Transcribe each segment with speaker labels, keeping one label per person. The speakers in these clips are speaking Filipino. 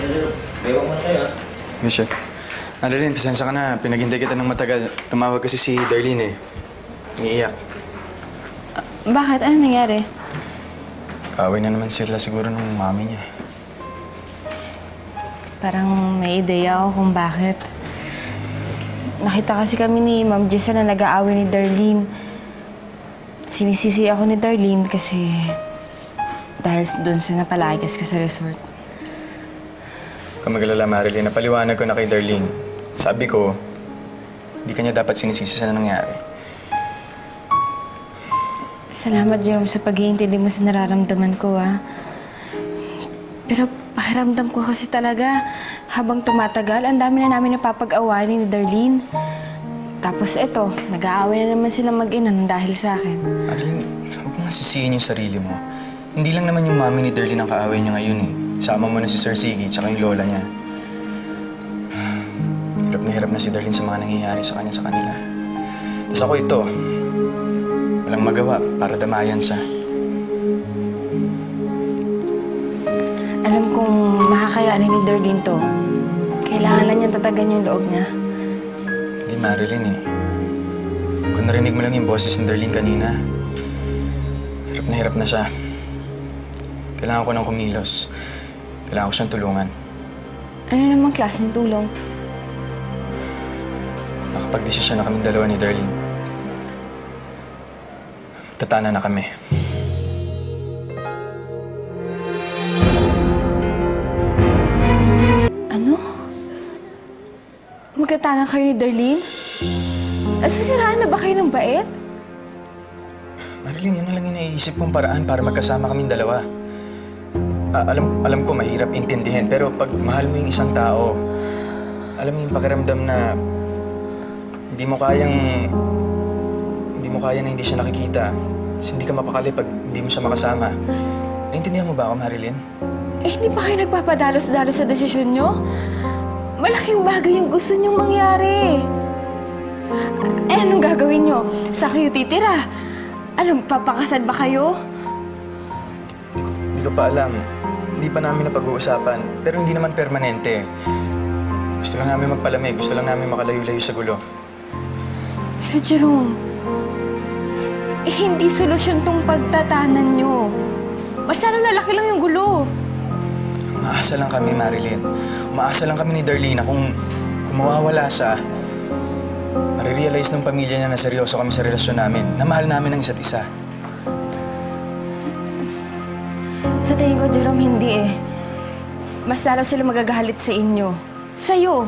Speaker 1: Ewan mo na kayo, ha?
Speaker 2: Yes, chef. Annalyn, pasensya ka na. Pinaghintay kita ng matagal. Tumawag kasi si Darlene eh. Umiiyak.
Speaker 3: Bakit? Ano nangyari?
Speaker 2: Kaaway na naman sila siguro ng mami niya.
Speaker 3: Parang may ideya ako kung bakit. Nakita kasi kami ni Ma'am Giselle na nag-aaway ni Darlene. Sinisisi ako ni Darlene kasi dahil doon sa napalayas ka sa resort.
Speaker 2: Kung mag-alala, Marilyn, napaliwanag ko na kay Darlene. Sabi ko, hindi kanya dapat sinisisi sa nangyari.
Speaker 3: Salamat, Jerome, sa pag-iintindi mo sa nararamdaman ko, ah. Pero pakiramdam ko kasi talaga, habang tumatagal, ang dami na namin napapag-awayan ni Darlene. Tapos eto, nag-aaway na naman sila mag-ina dahil sa akin.
Speaker 2: Marilyn, huwag mo sisihin yung sarili mo. Hindi lang naman yung mami ni Darlene ang kaaway niya ngayon eh. Sama mo na si Sir Siggy tsaka yung lola niya. Hirap na si Darlene sa mga nangyayari sa kanya sa kanila. Tapos ako ito, walang magawa para damayan siya.
Speaker 3: Alam kong makakayanin ni Darlene to. Kailangan lang niyang tatagan yung loob niya.
Speaker 2: Hindi, Marilyn eh. Kung narinig mo lang yung boses ni Darlene kanina, hirap na siya. Kailangan ko ng kumilos. Kailangan ko siyang tulungan.
Speaker 3: Ano namang klaseng tulong?
Speaker 2: Nakapag-desisyon na kaming dalawa ni Darlene. Tatana na kami.
Speaker 3: Ano? Magkatanan kayo ni Darlene? Sisiraan na ba kayo ng bait?
Speaker 2: Marilyn, yun na lang yung naiisip kong paraan para magkasama kaming dalawa. Alam ko mahirap intindihin, pero pag mahal mo yung isang tao, alam mo yung pakiramdam na hindi mo kaya na hindi siya nakikita. Hindi ka mapakali pag hindi mo siya makasama. Naintindihan mo ba ako, Marilyn?
Speaker 3: Eh, hindi pa kayo nagpapadalos-dalos sa desisyon nyo? Malaking bagay yung gusto nyong mangyari. Eh, anong gagawin nyo? Sa kayo titira? Alam, papakasal ba kayo?
Speaker 2: Hindi ko pa alam. Hindi pa namin napag-uusapan. Pero hindi naman permanente. Gusto lang namin magpalamig. Gusto lang namin makalayo-layo sa gulo.
Speaker 3: Pero Jerome, hindi solusyon tong pagtatanan nyo. Mas lalo lalaki lang yung gulo.
Speaker 2: Umaasa lang kami, Marilyn. Umaasa lang kami ni Darlene na kung mawawala siya, marirealize ng pamilya niya na seryoso kami sa relasyon namin, na mahal namin ang isa't isa.
Speaker 3: Sa tingin ko, Jerome, hindi eh. Mas lalo sila magagalit sa inyo. Sa'yo.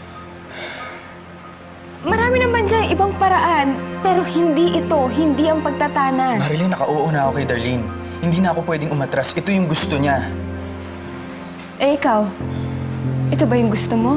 Speaker 3: Marami naman dyan ibang paraan, pero hindi ito, hindi ang pagtatanan.
Speaker 2: Marilyn, nakauo na ako kay Darlene. Hindi na ako pwedeng umatras. Ito yung gusto niya.
Speaker 3: Eh, ikaw? Ito ba yung gusto mo?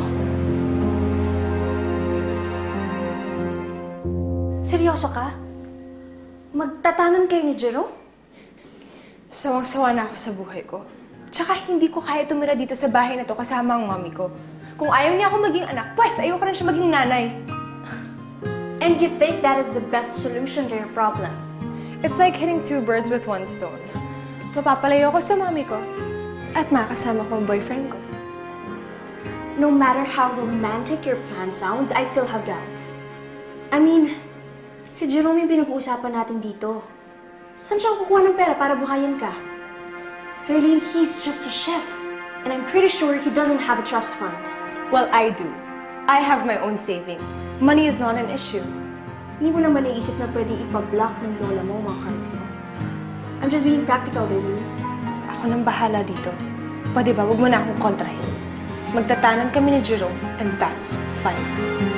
Speaker 4: Seryoso ka? Magtatanan kayo ni Jerome?
Speaker 5: Sawang-sawa na ako sa buhay ko. Tsaka hindi ko kaya tumira dito sa bahay na to kasama ang mami ko. Kung ayaw niya ako maging anak, pues ayaw ko rin siya maging nanay.
Speaker 4: And you think that is the best solution to your problem?
Speaker 5: It's like hitting two birds with one stone. Mapapalayo ako sa mami ko at makakasama ko ang boyfriend ko.
Speaker 4: No matter how romantic your plan sounds, I still have doubts. I mean, si Jerome yung pinag-uusapan natin dito. Saan siya kukuha ng pera para buhayin ka? Darlene, he's just a chef. And I'm pretty sure he doesn't have a trust fund.
Speaker 5: Well, I do. I have my own savings. Money is not an issue.
Speaker 4: Hindi mo naman naisip na pwedeng ipag-block ng lola mo mga cards mo. I'm just being practical, Darlene.
Speaker 5: Ako nang bahala dito. Pwede ba, huwag mo na akong kontrahin. Magtatanan kami ni Jerome, and that's fine.